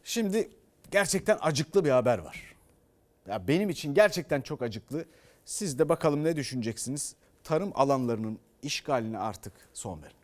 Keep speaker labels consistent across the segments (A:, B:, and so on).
A: Şimdi gerçekten acıklı bir haber var. Ya benim için gerçekten çok acıklı. Siz de bakalım ne düşüneceksiniz? Tarım alanlarının işgaline artık son verin.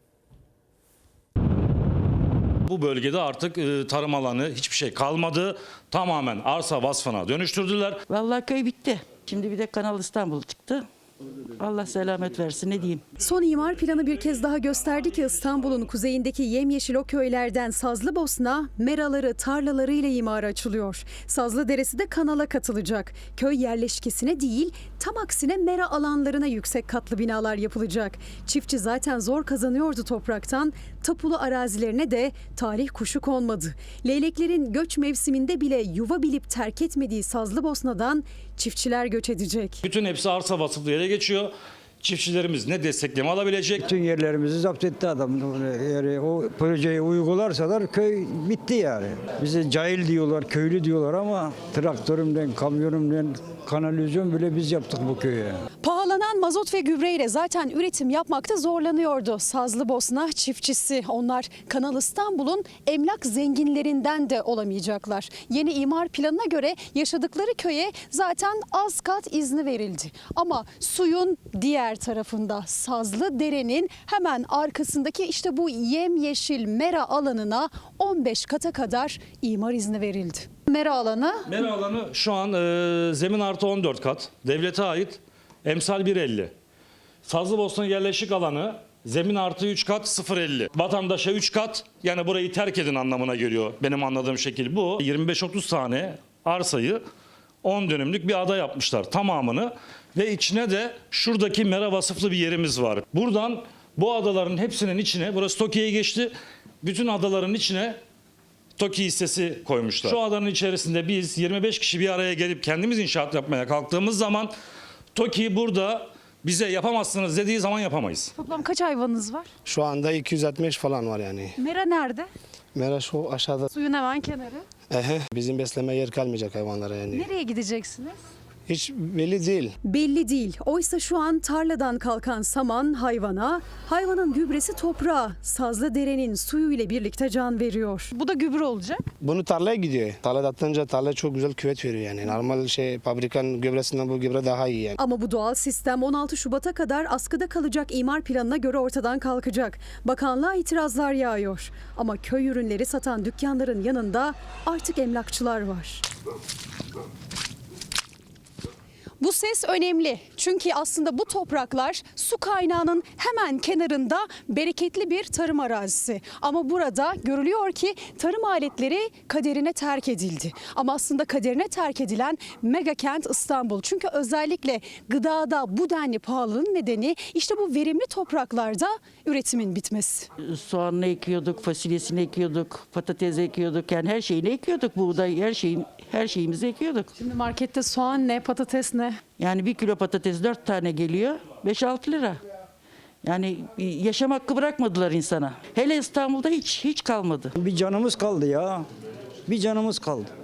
B: Bu bölgede artık tarım alanı hiçbir şey kalmadı. Tamamen arsa vasfına dönüştürdüler.
C: Vallahi köy bitti. Şimdi bir de Kanal İstanbul çıktı. Allah selamet versin, ne diyeyim.
D: Son imar planı bir kez daha gösterdi ki İstanbul'un kuzeyindeki yemyeşil o köylerden Sazlıbosna, meraları, tarlalarıyla imara açılıyor. Sazlıderesi de kanala katılacak. Köy yerleşkesine değil, tam aksine mera alanlarına yüksek katlı binalar yapılacak. Çiftçi zaten zor kazanıyordu topraktan. Tapulu arazilerine de talih kuşu konmadı. Leyleklerin göç mevsiminde bile yuva bilip terk etmediği Sazlыбosna'dan çiftçiler göç edecek.
B: Bütün hepsi arsa vasıflı yere geçiyor. Çiftçilerimiz ne destekleme alabilecek?
E: Bütün yerlerimizi zapt etti adam. Yani o projeyi uygularsalar köy bitti yani. Bize cahil diyorlar, köylü diyorlar ama traktörümden, kamyonumdan, kanalizasyon bile biz yaptık bu köye.
D: Pahalanan mazot ve gübreyle zaten üretim yapmakta zorlanıyordu Sazlıbosna çiftçisi. Onlar Kanal İstanbul'un emlak zenginlerinden de olamayacaklar. Yeni imar planına göre yaşadıkları köye zaten az kat izni verildi. Ama suyun diğer tarafında Sazlıdere'nin hemen arkasındaki işte bu yemyeşil mera alanına 15 kata kadar imar izni verildi. Mera alanı
B: Mera alanı şu an zemin artı 14 kat. Devlete ait emsal 1.50. Sazlıbosna yerleşik alanı zemin artı 3 kat 0.50. Vatandaşa 3 kat, yani burayı terk edin anlamına geliyor. Benim anladığım şekil bu. 25-30 tane arsayı 10 dönümlük bir ada yapmışlar tamamını. Ve içine de şuradaki mera vasıflı bir yerimiz var. Buradan bu adaların hepsinin içine, burası TOKİ'ye geçti. Bütün adaların içine TOKİ hissesi koymuşlar. Şu adanın içerisinde biz 25 kişi bir araya gelip kendimiz inşaat yapmaya kalktığımız zaman TOKİ burada bize yapamazsınız dediği zaman yapamayız.
D: toplam kaç hayvanınız var?
F: Şu anda 260 falan var yani.
D: Mera nerede?
F: Mera şu aşağıda.
D: Suyun hemen kenarı.
F: Bizim besleme yer kalmayacak hayvanlara yani.
D: Nereye gideceksiniz?
F: Hiç belli değil.
D: Belli değil. Oysa şu an tarladan kalkan saman hayvana, hayvanın gübresi toprağa, Sazlıdere'nin suyu ile birlikte can veriyor. Bu da gübre olacak.
F: Bunu tarlaya gidiyor. Tarlada atınca tarla çok güzel küvet veriyor yani. Normal fabrikanın gübresinden bu gübre daha iyi yani.
D: Ama bu doğal sistem 16 Şubat'a kadar askıda kalacak imar planına göre ortadan kalkacak. Bakanlığa itirazlar yağıyor. Ama köy ürünleri satan dükkanların yanında artık emlakçılar var. Bu ses önemli çünkü aslında bu topraklar su kaynağının hemen kenarında bereketli bir tarım arazisi. Ama burada görülüyor ki tarım aletleri kaderine terk edildi. Ama aslında kaderine terk edilen mega kent İstanbul. Çünkü özellikle gıdada bu denli pahalılığın nedeni işte bu verimli topraklarda üretimin bitmesi.
C: Soğanını ekiyorduk, fasulyesini ekiyorduk, patates ekiyorduk. Yani her şeyini ekiyorduk, buğday, her şeyimizi ekiyorduk.
D: Şimdi markette soğan ne, patates ne?
C: Yani 1 kilo patates 4 tane geliyor, 5-6 lira. Yani yaşam hakkı bırakmadılar insana. Hele İstanbul'da hiç kalmadı.
E: Bir canımız kaldı ya. Bir canımız kaldı.